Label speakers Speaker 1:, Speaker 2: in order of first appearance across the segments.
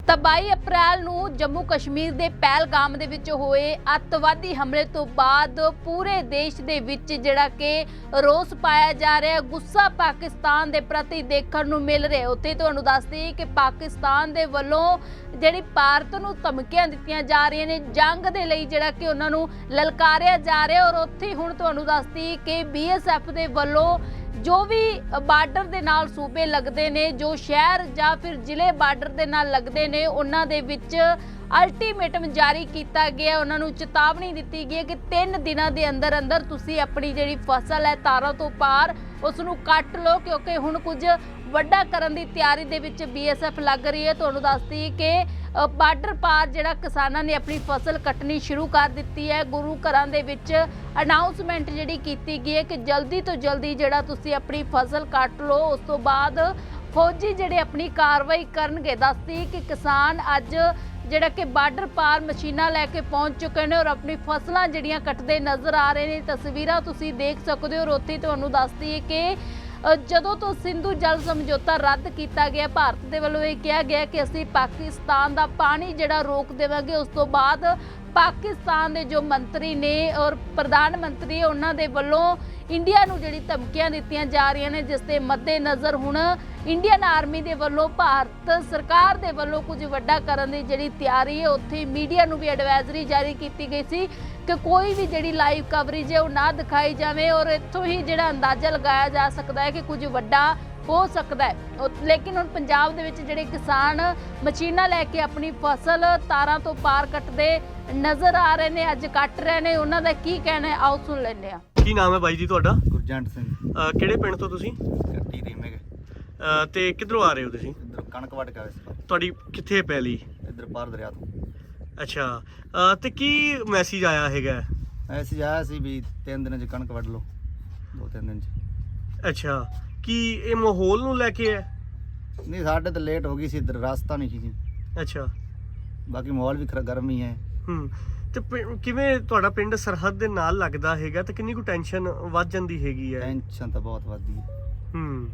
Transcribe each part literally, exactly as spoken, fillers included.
Speaker 1: ਤਾਂ ਬਾਈ ਅਪ੍ਰੈਲ ਨੂੰ ਜੰਮੂ ਕਸ਼ਮੀਰ ਦੇ ਪਹਿਲਗਾਮ ਦੇ ਵਿੱਚ ਹੋਏ ਅੱਤਵਾਦੀ ਹਮਲੇ ਤੋਂ ਬਾਅਦ ਪੂਰੇ ਦੇਸ਼ ਦੇ ਵਿੱਚ ਜਿਹੜਾ ਕਿ ਰੋਸ ਪਾਇਆ ਜਾ ਰਿਹਾ, ਗੁੱਸਾ ਪਾਕਿਸਤਾਨ ਦੇ ਪ੍ਰਤੀ ਦੇਖਣ ਨੂੰ ਮਿਲ ਰਿਹਾ। ਉੱਥੇ ਤੁਹਾਨੂੰ ਦੱਸ ਦਈਏ ਕਿ ਪਾਕਿਸਤਾਨ ਦੇ ਵੱਲੋਂ ਜਿਹੜੀ ਭਾਰਤ ਨੂੰ ਧਮਕੀਆਂ ਦਿੱਤੀਆਂ ਜਾ ਰਹੀਆਂ ਨੇ, ਜੰਗ ਦੇ ਲਈ ਜਿਹੜਾ ਕਿ ਉਹਨਾਂ ਨੂੰ ਲਲਕਾਰਿਆ ਜਾ ਰਿਹਾ। ਔਰ ਉੱਥੇ ਹੁਣ ਤੁਹਾਨੂੰ ਦੱਸ ਦਈਏ ਕਿ ਬੀ ਐਸ ਐਫ ਦੇ ਵੱਲੋਂ ਜੋ ਵੀ ਬਾਰਡਰ ਦੇ ਨਾਲ ਸੂਬੇ ਲੱਗਦੇ ਨੇ, ਜੋ ਸ਼ਹਿਰ ਜਾਂ ਫਿਰ ਜ਼ਿਲ੍ਹੇ ਬਾਰਡਰ ਦੇ ਨਾਲ ਲੱਗਦੇ ਨੇ, ਉਹਨਾਂ ਦੇ ਵਿੱਚ ਅਲਟੀਮੇਟਮ ਜਾਰੀ ਕੀਤਾ ਗਿਆ। ਉਹਨਾਂ ਨੂੰ ਚੇਤਾਵਨੀ ਦਿੱਤੀ ਗਈ ਹੈ ਕਿ ਤਿੰਨ ਦਿਨਾਂ ਦੇ ਅੰਦਰ ਅੰਦਰ ਤੁਸੀਂ ਆਪਣੀ ਜਿਹੜੀ ਫਸਲ ਹੈ ਤਾਰਾਂ ਤੋਂ ਪਾਰ ਉਸ ਨੂੰ ਕੱਟ ਲਓ, ਕਿਉਂਕਿ ਹੁਣ ਕੁਝ ਵੱਡਾ ਕਰਨ ਦੀ ਤਿਆਰੀ ਦੇ ਵਿੱਚ ਬੀ ਐਸ ਐਫ ਲੱਗ ਰਹੀ ਹੈ। ਤੁਹਾਨੂੰ ਦੱਸਦੀ ਕਿ ਬਾਰਡਰ ਪਾਰ ਜਿਹੜਾ ਕਿਸਾਨਾਂ ਨੇ ਆਪਣੀ ਫਸਲ ਕੱਟਣੀ ਸ਼ੁਰੂ ਕਰ ਦਿੱਤੀ ਹੈ। ਗੁਰੂ ਘਰਾਂ ਦੇ ਵਿੱਚ ਅਨਾਉਂਸਮੈਂਟ ਜਿਹੜੀ ਕੀਤੀ ਗਈ ਹੈ ਕਿ ਜਲਦੀ ਤੋਂ ਜਲਦੀ ਜਿਹੜਾ ਤੁਸੀਂ ਆਪਣੀ ਫਸਲ ਕੱਟ ਲਓ। ਉਸ ਤੋਂ ਬਾਅਦ ਫੌਜੀ ਜਿਹੜੇ ਆਪਣੀ ਕਾਰਵਾਈ ਕਰਨਗੇ। ਦੱਸਦੀ ਕਿ ਕਿਸਾਨ ਅੱਜ ਜਿਹੜਾ ਕਿ ਬਾਰਡਰ ਪਾਰ ਮਸ਼ੀਨਾਂ ਲੈ ਕੇ ਪਹੁੰਚ ਚੁੱਕੇ ਨੇ ਔਰ ਆਪਣੀ ਫਸਲਾਂ ਜਿਹੜੀਆਂ ਕੱਟਦੇ ਨਜ਼ਰ ਆ ਰਹੇ ਨੇ। ਤਸਵੀਰਾਂ ਤੁਸੀਂ ਦੇਖ ਸਕਦੇ ਹੋ। ਔਰ ਉੱਥੇ ਤੁਹਾਨੂੰ ਦੱਸਦੀ ਹੈ ਕਿ ਜਦੋਂ ਤੋਂ ਸਿੰਧੂ ਜਲ ਸਮਝੌਤਾ ਰੱਦ ਕੀਤਾ ਗਿਆ, ਭਾਰਤ ਦੇ ਵੱਲੋਂ ਇਹ ਕਿਹਾ ਗਿਆ ਕਿ ਅਸੀਂ ਪਾਕਿਸਤਾਨ ਦਾ ਪਾਣੀ ਜਿਹੜਾ ਰੋਕ ਦੇਵਾਂਗੇ। ਉਸ ਤੋਂ ਬਾਅਦ ਪਾਕਿਸਤਾਨ ਦੇ ਜੋ ਮੰਤਰੀ ਨੇ ਔਰ ਪ੍ਰਧਾਨ ਮੰਤਰੀ, ਉਹਨਾਂ ਦੇ ਵੱਲੋਂ ਇੰਡੀਆ ਨੂੰ ਜਿਹੜੀ ਧਮਕੀਆਂ ਦਿੱਤੀਆਂ ਜਾ ਰਹੀਆਂ ਨੇ, ਜਿਸ ਦੇ ਮੱਦੇਨਜ਼ਰ ਹੁਣ ਇੰਡੀਅਨ ਆਰਮੀ ਦੇ ਵੱਲੋਂ ਭਾਰਤ ਸਰਕਾਰ ਦੇ ਵੱਲੋਂ ਕੁਝ ਵੱਡਾ ਕਰਨ ਦੀ ਜਿਹੜੀ ਤਿਆਰੀ ਹੈ। ਉੱਥੇ ਮੀਡੀਆ ਨੂੰ ਵੀ ਐਡਵਾਈਜ਼ਰੀ ਜਾਰੀ ਕੀਤੀ ਗਈ ਸੀ ਕਿ ਕੋਈ ਵੀ ਜਿਹੜੀ ਲਾਈਵ ਕਵਰੇਜ ਹੈ ਉਹ ਨਾ ਦਿਖਾਈ ਜਾਵੇ। ਔਰ ਇੱਥੋਂ ਹੀ ਜਿਹੜਾ ਅੰਦਾਜ਼ਾ ਲਗਾਇਆ ਜਾ ਸਕਦਾ ਹੈ ਕਿ ਕੁਝ ਵੱਡਾ ਹੋ ਸਕਦਾ ਹੈ। ਲੇਕਿਨ ਹੁਣ ਪੰਜਾਬ ਦੇ ਵਿੱਚ ਜਿਹੜੇ ਕਿਸਾਨ ਮਸ਼ੀਨਾਂ ਲੈ ਕੇ ਆਪਣੀ ਫਸਲ ਤਾਰਾਂ ਤੋਂ ਪਾਰ ਕੱਟਦੇ ਨਜ਼ਰ ਆ ਰਹੇ ਨੇ, ਅੱਜ ਕੱਟ ਰਹੇ ਨੇ, ਉਹਨਾਂ ਦਾ ਕੀ ਕਹਿਣਾ ਹੈ ਆਓ ਸੁਣ ਲੈਂਦੇ ਹਾਂ।
Speaker 2: ਕੀ ਨਾਮ ਹੈ ਬਾਈ ਜੀ ਤੁਹਾਡਾ?
Speaker 3: ਗੁਰਜੰਟ ਸਿੰਘ।
Speaker 2: ਅਹ ਕਿਹੜੇ ਪਿੰਡ ਤੋਂ ਤੁਸੀਂ?
Speaker 3: ਕੱਟੀ ਰੀਮੇ
Speaker 2: ਅਹ ਤੇ ਕਿੱਧਰੋਂ ਆ ਰਹੇ ਹੋ ਤੁਸੀਂ?
Speaker 3: ਇੱਧਰ ਕਣਕ ਵੱਢ ਕੇ ਆਏ ਸੀ।
Speaker 2: ਤੁਹਾਡੀ ਕਿੱਥੇ ਪੈਲੀ?
Speaker 3: ਇੱਧਰ ਪਾਰ ਦਰਿਆ ਤੋਂ।
Speaker 2: ਅੱਛਾ, ਅਹ ਤੇ ਕੀ ਮੈਸੇਜ ਆਇਆ ਹੈਗਾ?
Speaker 3: ਐਸੀ ਆਇਆ ਸੀ ਵੀ ਤਿੰਨ ਦਿਨਾਂ 'ਚ ਕਣਕ ਵੱਢ ਲਓ, ਦੋ ਤਿੰਨ ਦਿਨ 'ਚ।
Speaker 2: ਅੱਛਾ, ਕੀ ਇਹ ਮਾਹੌਲ ਨੂੰ ਲੈ ਕੇ ਹੈ?
Speaker 3: ਨਹੀਂ, ਸਾਡੇ ਤਾਂ ਲੇਟ ਹੋ ਗਈ ਸੀ, ਇੱਧਰ ਰਸਤਾ ਨਹੀਂ ਸੀ ਜੀ।
Speaker 2: ਅੱਛਾ,
Speaker 3: ਬਾਕੀ ਮਾਹੌਲ ਵੀ ਖਰਾ ਗਰਮ ਹੀ ਹੈ।
Speaker 2: ਹੂੰ। ਤੇ ਪਿੰ- ਕਿਵੇਂ ਤੁਹਾਡਾ ਪਿੰਡ ਸਰਹੱਦ ਦੇ ਨਾਲ ਲੱਗਦਾ ਹੈਗਾ ਤੇ ਕਿੰਨੀ ਕੁ ਟੈਨਸ਼ਨ ਵੱਧ ਜਾਂਦੀ ਹੈਗੀ ਹੈ?
Speaker 3: ਟੈਨਸ਼ਨ ਤਾਂ ਬਹੁਤ ਵੱਧਦੀ ਹੈ।
Speaker 2: ਹੂੰ।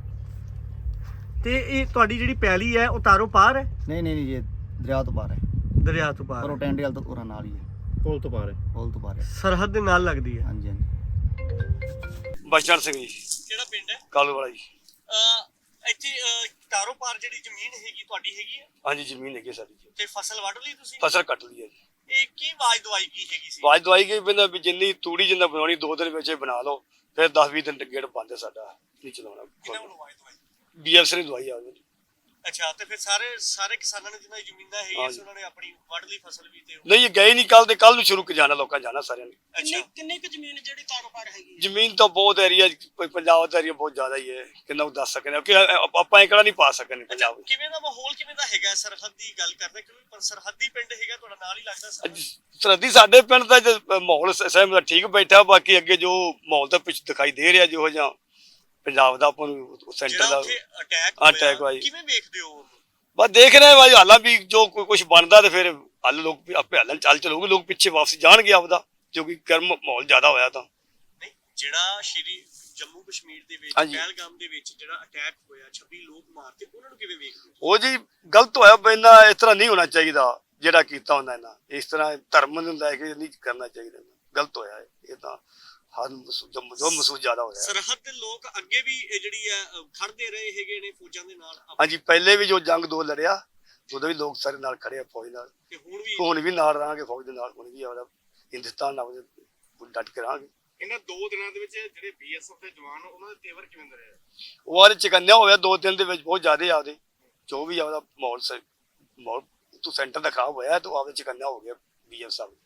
Speaker 2: ਤੇ ਇਹ ਤੁਹਾਡੀ ਜਿਹੜੀ ਪੈਲੀ ਹੈ ਉਹ ਤਾਰੋਂ ਪਾਰ ਹੈ?
Speaker 3: ਨਹੀਂ ਨਹੀਂ ਨਹੀਂ, ਇਹ ਦਰਿਆ ਤੋਂ ਪਾਰ ਹੈ।
Speaker 2: ਦਰਿਆ ਤੋਂ ਪਾਰ
Speaker 3: ਪਰ ਉਹ
Speaker 2: ਹੈ?
Speaker 3: ਟੈਂਡੇ ਵਾਲ ਤੋਂ ਉਰਾਂ ਨਾਲ ਹੀ ਹੈ।
Speaker 2: ਪੁਲ ਤੋਂ ਪਾਰ ਹੈ?
Speaker 3: ਪੁਲ ਤੋਂ ਪਾਰ ਹੈ।
Speaker 2: ਸਰਹੱਦ ਦੇ ਨਾਲ ਲੱਗਦੀ ਹੈ?
Speaker 3: ਹਾਂਜੀ ਹਾਂਜੀ।
Speaker 4: ਬਚਨ ਸਿੰਘ ਜੀ।
Speaker 2: ਕਿਹੜਾ ਪਿੰਡ ਹੈ?
Speaker 4: ਕਾਲੂ ਵਾਲਾ ਜੀ।
Speaker 2: ਅ ਇੱਥੇ ਤਾਰੋਂ ਪਾਰ ਜਿਹੜੀ ਜ਼ਮੀਨ ਹੈਗੀ ਤੁਹਾਡੀ ਹੈਗੀ ਹੈ
Speaker 4: ਹਾਂਜੀ, ਜ਼ਮੀਨ ਹੈਗੀ ਸਾਡੀ ਜੀ।
Speaker 2: ਤੇ ਫਸਲ ਵੱਢ ਲਈ ਤੁਸੀਂ?
Speaker 4: ਫਸਲ ਕੱਟ ਲਈ ਹੈ ਜੀ।
Speaker 2: ਇਹ ਕੀ ਆਵਾਜ਼ ਦਵਾਈ ਕੀ ਹੈਗੀ ਸੀ?
Speaker 4: ਬਾਜ ਦਵਾਈ ਗਈ ਬੰਦਾ ਵੀ ਜਿੰਨੀ ਤੂੜੀ ਜਿੰਨਾ ਬਣਾਉਣੀ ਦੋ ਦਿਨ ਵਿੱਚ ਹੀ ਬਣਾ ਲਓ, ਫਿਰ ਦਸ ਵੀਹ ਦਿਨ ਗੇੜ ਬੰਦ ਹੈ ਸਾਡਾ, ਨਹੀਂ
Speaker 2: ਕਿਹਨਾਂ ਨੂੰ
Speaker 4: ਚਲਾਉਣਾ।
Speaker 2: ਆਵਾਜ਼ ਦਵਾਈ?
Speaker 4: ਬੀ ਐਸ ਨੇ ਦਵਾਈ ਆ ਗਈ।
Speaker 2: ਅੱਛਾ, ਤੇ ਫਿਰ ਸਾਰੇ ਸਾਰੇ ਕਿਸਾਨਾਂ ਨੇ ਜਿਨ੍ਹਾਂ ਦੀ ਜ਼ਮੀਨਾਂ ਹੈਗੀਆਂ ਸੀ
Speaker 4: ਹਾਂਜੀ।
Speaker 2: ਉਹਨਾਂ ਨੇ ਆਪਣੀ ਵੱਢ ਲਈ ਫਸਲ ਵੀ ਤੇ?
Speaker 4: ਨਹੀਂ, ਇਹ ਗਏ ਨਹੀਂ, ਕੱਲ ਤੇ ਕੱਲ ਨੂੰ ਸ਼ੁਰੂ ਕਰ ਜਾਣਾ ਲੋਕਾਂ ਜਾਣਾ ਸਾਰਿਆਂ ਨੇ।
Speaker 2: ਅੱਛਾ,
Speaker 5: ਕਿੰਨੀ ਕੁ ਜ਼ਮੀਨ ਜਿਹੜੀ ਕਾਰੋਬਾਰ ਹੈਗੀ?
Speaker 4: ਜ਼ਮੀਨ ਤਾਂ ਬਹੁਤ ਏਰੀਆ, ਪੰਜਾਬ ਦਾ ਏਰੀਆ ਬਹੁਤ ਜ਼ਿਆਦਾ ਹੀ ਹੈ, ਕਿੰਨਾ ਕੁ ਦੱਸ ਸਕਦੇ ਕਿ ਆਪਾਂ ਇਕੜਾ ਨਹੀਂ ਪਾ ਸਕਦੇ
Speaker 2: ਅੱਛਾ,
Speaker 4: ਪੰਜਾਬ ਵਿੱਚ।
Speaker 2: ਕਿਵੇਂ ਦਾ ਮਾਹੌਲ ਕਿਵੇਂ ਦਾ ਹੈਗਾ? ਸਰਹੱਦ ਦੀ ਗੱਲ ਕਰਦੇ ਕਿਉਂਕਿ ਸਰਹੱਦੀ ਪਿੰਡ ਹੈਗਾ ਤੁਹਾਡਾ, ਨਾਲ ਹੀ ਲੱਗਦਾ ਸਰਹੱਦ।
Speaker 4: ਅੱਜ ਸਰਹੱਦੀ ਸਾਡੇ ਪਿੰਡ ਦਾ ਜੇ ਮਾਹੌਲ ਸਹਿਮ ਠੀਕ ਬੈਠਾ, ਬਾਕੀ ਅੱਗੇ ਜੋ ਮਾਹੌਲ ਤਾਂ ਪਿੱਛੇ ਦਿਖਾਈ ਦੇ ਰਿਹਾ ਜਿਹੋ ਜਿਹਾ ਪੰਜਾਬ ਦਾ ਆਪਾਂ ਨੂੰ ਸੈਂਟਰ
Speaker 2: ਜਿਹੜਾ
Speaker 4: ਦਾ
Speaker 2: ਉੱਥੇ ਅਟੈਕ
Speaker 4: ਅਟੈਕ ਹੋਇਆ,
Speaker 2: ਕਿਵੇਂ ਵੇਖਦੇ ਹੋ?
Speaker 4: ਬਸ ਦੇਖ ਰਹੇ ਭਾਈ, ਹਾਲਾਂ ਵੀ ਜੋ ਕੋਈ ਕੁਝ ਬਣਦਾ ਤੇ ਫਿਰ ਹੱਲ ਲੋਕ ਵੀ ਆਪੇ ਹੱਲਣ ਚੱਲ ਚਲੂਗੇ, ਲੋਕ ਪਿੱਛੇ ਵਾਪਸ ਜਾਣਗੇ ਆਪਦਾ, ਜੋ ਕਿ ਗਰਮ ਮਾਹੌਲ ਜ਼ਿਆਦਾ ਹੋਇਆ ਤਾਂ।
Speaker 2: ਨਹੀਂ, ਜਿਹੜਾ ਸ਼੍ਰੀ ਜੰਮੂ ਕਸ਼ਮੀਰ ਦੇ ਵਿੱਚ
Speaker 4: ਹਾਂਜੀ।
Speaker 2: ਪਹਿਲਗਾਮ ਦੇ ਵਿੱਚ ਜਿਹੜਾ ਅਟੈਕ ਹੋਇਆ, ਛੱਬੀ ਲੋਕ ਮਾਰਤੇ, ਉਹਨਾਂ ਨੂੰ ਕਿਵੇਂ ਵੇਖਦੇ ਹੋ?
Speaker 4: ਉਹ ਜੀ ਗਲਤ ਹੋਇਆ, ਪੈਂਦਾ ਇਸ ਤਰ੍ਹਾਂ ਨਹੀਂ ਹੋਣਾ ਚਾਹੀਦਾ ਜਿਹੜਾ ਕੀਤਾ ਹੁੰਦਾ ਇਹਨਾਂ, ਇਸ ਤਰ੍ਹਾਂ ਧਰਮ ਨੂੰ ਲੈ ਕੇ ਨਹੀਂ ਕਰਨਾ ਚਾਹੀਦਾ, ਗਲਤ ਹੋਇਆ ਇਹ ਤਾਂ। ਹਰ ਜੋ ਮਹਿਸੂਸ ਜ਼ਿਆਦਾ ਹੋਇਆ।
Speaker 2: ਸਰਹੱਦ ਦੇ ਲੋਕ ਅੱਗੇ ਵੀ ਇਹ ਜਿਹੜੀ ਹੈ ਅ, ਖੜਦੇ ਰਹੇ ਹੈਗੇ ਨੇ ਫੌਜਾਂ ਦੇ ਨਾਲ?
Speaker 4: ਹਾਂਜੀ, ਪਹਿਲੇ ਵੀ ਜੋ ਜੰਗ ਦੋ ਲੜਿਆ ਉਦੋਂ ਵੀ ਲੋਕ ਸਾਰੇ ਨਾਲ ਖੜੇ ਆ ਫੌਜ ਨਾਲ,
Speaker 2: ਤੇ ਹੁਣ ਵੀ
Speaker 4: ਹੁਣ ਵੀ ਨਾਲ ਰਹਾਂਗੇ ਫੌਜ ਦੇ ਨਾਲ, ਹੁਣ ਵੀ ਆਪਦਾ ਹਿੰਦੁਸਤਾਨ ਨਾਲ ਡਟ ਕੇ ਰਹਾਂਗੇ।
Speaker 2: ਇਹਨਾਂ ਦੋ ਦਿਨਾਂ ਦੇ ਵਿੱਚ ਜਿਹੜੇ ਬੀ ਐਸ ਐਫ ਦੇ ਜਵਾਨ ਉਹਨਾਂ ਦੇ ਤੇਵਰ ਕਿਵੇਂ ਦੇ ਰਹੇ?
Speaker 4: ਉਹ ਵਾਲੇ ਚਕੰਨਿਆ ਹੋਇਆ ਦੋ ਦਿਨ ਦੇ ਵਿੱਚ ਬਹੁਤ ਜ਼ਿਆਦਾ ਆਪਦੇ, ਜੋ ਵੀ ਆਪਦਾ ਮਾਹੌਲ ਮਾਹੌਲ ਤੂੰ ਸੈਂਟਰ ਦਾ ਖਰਾਬ ਹੋਇਆ ਤੂੰ ਆਪਦੇ ਚਕੰਨਿਆ ਹੋ ਗਿਆ ਬੀ ਐਸ ਐਫ।